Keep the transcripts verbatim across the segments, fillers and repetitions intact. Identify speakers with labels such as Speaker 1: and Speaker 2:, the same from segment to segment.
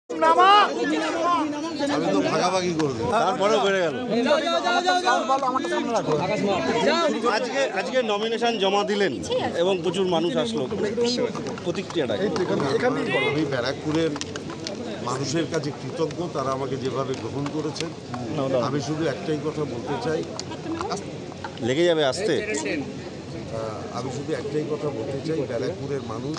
Speaker 1: আমি তো ভাগাভাগি করবো, তারপরেও বেড়ে গেল। আজকে আজকে নমিনেশন জমা দিলেন এবং প্রচুর মানুষ আসলো, প্রতিক্রিয়াটা আমি ব্যারাকপুরের মানুষের কাছে কৃতজ্ঞ, তারা আমাকে যেভাবে গ্রহণ করেছেন। আমি শুধু একটাই কথা বলতে চাই,
Speaker 2: লেগে যাবে আসতে
Speaker 1: আমি শুধু একটাই কথা বলতে চাই, ব্যারাকপুরের মানুষ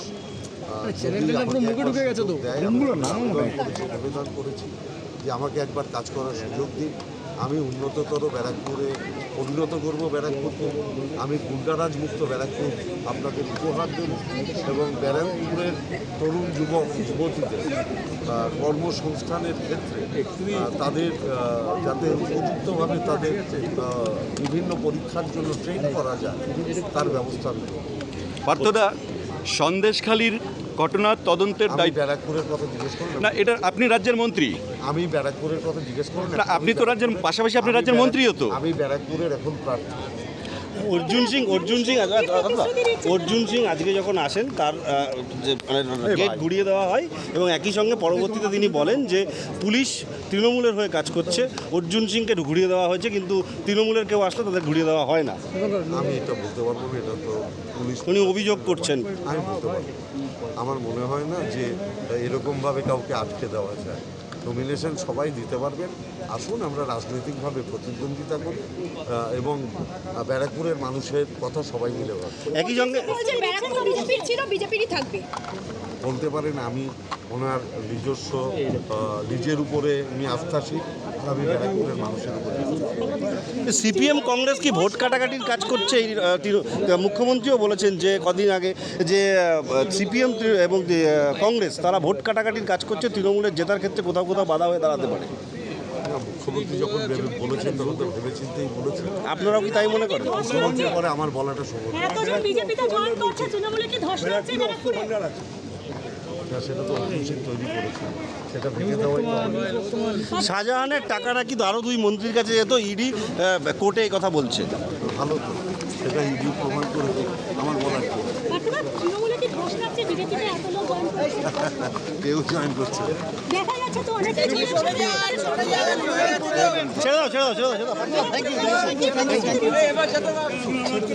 Speaker 1: আবেদন করেছি যে আমাকে একবার কাজ করার সুযোগ দিন, আমি উন্নততর ব্যারাকপুরে পরিণত করব ব্যারাকপুরকে, আমি গুন্ডারাজ মুক্ত ব্যারাকপুর আপনাকে উপহার দেব এবং ব্যারাকপুরের তরুণ যুবক যুবতীদের কর্মসংস্থানের ক্ষেত্রে তাদের যাতে উপযুক্তভাবে তাদের বিভিন্ন পরীক্ষার জন্য ট্রেন করা যায় তার ব্যবস্থা নেব।
Speaker 2: পার্থদা, সন্দেশখালীর ঘটনার তদন্তের দায়িত্ব
Speaker 1: ব্যারাকপুরের কথা জিজ্ঞেস করলেন
Speaker 2: না, এটা আপনি রাজ্যের মন্ত্রী।
Speaker 1: আমি ব্যারাকপুরের কথা জিজ্ঞেস করলেন
Speaker 2: না, আপনি তো রাজ্যের পাশাপাশি আপনি রাজ্যের মন্ত্রীও তো।
Speaker 1: আমি ব্যারাকপুরের এখন প্রার্থী।
Speaker 2: অর্জুন সিং অর্জুন সিং অর্জুন সিং আজকে যখন আসেন তার যে মানে গেট ঘুরিয়ে দেওয়া হয় এবং একই সঙ্গে পরবর্তীতে তিনি বলেন যে পুলিশ তৃণমূলের হয়ে কাজ করছে, অর্জুন সিংকে ঘুরিয়ে দেওয়া হয়েছে, কিন্তু তৃণমূলের কেউ আসলে তাদের ঘুরিয়ে দেওয়া হয় না।
Speaker 1: আমি এটা বলতে পারবো না, এটা তো পুলিশ
Speaker 2: উনি অভিযোগ করছেন।
Speaker 1: আমি বলতে পারবো, আমার মনে হয় না যে এরকমভাবে কাউকে আটকে দেওয়া যায়। নমিনেশন সবাই দিতে পারবেন, আসুন আমরা রাজনৈতিকভাবে প্রতিদ্বন্দ্বিতা করি এবং ব্যারাকপুরের মানুষের কথা সবাই মিলে ভাবছি।
Speaker 2: একই সঙ্গে
Speaker 1: বলতে পারেন আমি ওনার নিজস্ব নিজের উপরে আমি আস্থাশীল, আমি ব্যারাকপুরের মানুষের উপরে।
Speaker 2: সিপিএম কংগ্রেস কি ভোট কাটাকাটির কাজ করছে? এই মুখ্যমন্ত্রীও বলেছেন যে কদিন আগে যে সিপিএম এবং কংগ্রেস তারা ভোট কাটাকাটির কাজ করছে, তৃণমূলের জেতার ক্ষেত্রে কোথাও কোথাও বাধা হয়ে দাঁড়াতে পারে।
Speaker 1: মুখ্যমন্ত্রী যখন বলেছেন তখন তো ভেবেচিন্তেই বলেছেন।
Speaker 2: আপনারাও কি তাই মনে করেন?
Speaker 1: মুখ্যমন্ত্রীর পরে আমার বলাটা সম্ভব সেটা তো অভিষেক তৈরি করেছে, সেটা ভেঙে দেওয়াই।
Speaker 2: শাহজাহানের টাকা নাকি আরও দুই মন্ত্রীর কাছে যেত, ইডি কোর্টে এই কথা বলছে।
Speaker 1: ভালো তো, সেটা ইডি প্রমাণ করে আমার বলার কেউ জয়েন করছে।
Speaker 2: ছেড়ে দাও ছেড়ে দাও ছেড়ে দাও ছেড়ে দাও।